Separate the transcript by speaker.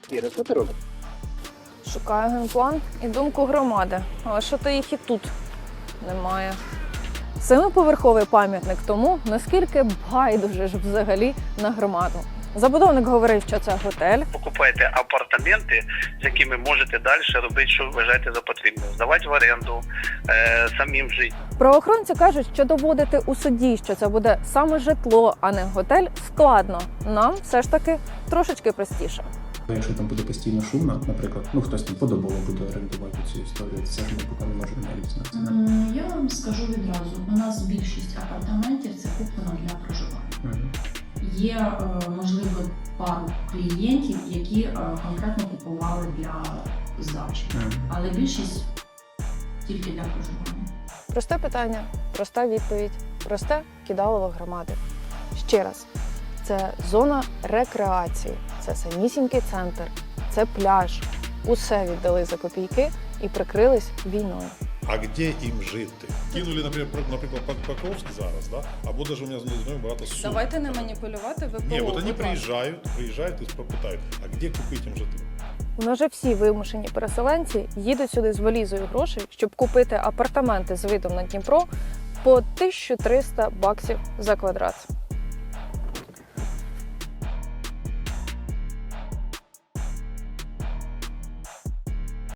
Speaker 1: Іра, що ти робиш?
Speaker 2: Шукаю генплан і думку громади. Але що то їх і тут немає. Семиповерховий пам'ятник тому, наскільки байдуже ж взагалі на громаду. Забудовник говорив, що це готель.
Speaker 3: Покупайте апартаменти, з якими можете далі робити, що вважаєте за потрібне. Здавати в оренду, самим жити.
Speaker 2: Правоохоронці кажуть, що доводити у суді, що це буде саме житло, а не готель, складно. Нам все ж таки трошечки простіше.
Speaker 4: Якщо там буде постійно шумно, наприклад, хтось там подобово буде орендувати цю історію, це ж ми поки не можемо навіть на це.
Speaker 5: Я вам скажу відразу, у нас більшість апартаментів це куплено для проживання. Є, можливо, пару клієнтів, які конкретно купували для здачі, але більшість тільки для проживання.
Speaker 2: Просте питання, проста відповідь, просте кидалово громади. Ще раз, це зона рекреації, це самісінький центр, це пляж. Усе віддали за копійки і прикрились війною.
Speaker 6: А де їм жити? Кинули, наприклад, Покровськ зараз, да? Або навіть у мене знайомі багато Суми.
Speaker 2: Давайте не маніпулювати ВПО.
Speaker 6: Ні, от вони приїжджають і питають, а де купити їм житло?
Speaker 2: У нас же всі вимушені переселенці їдуть сюди з валізою грошей, щоб купити апартаменти з видом на Дніпро по 1300 баксів за квадрат.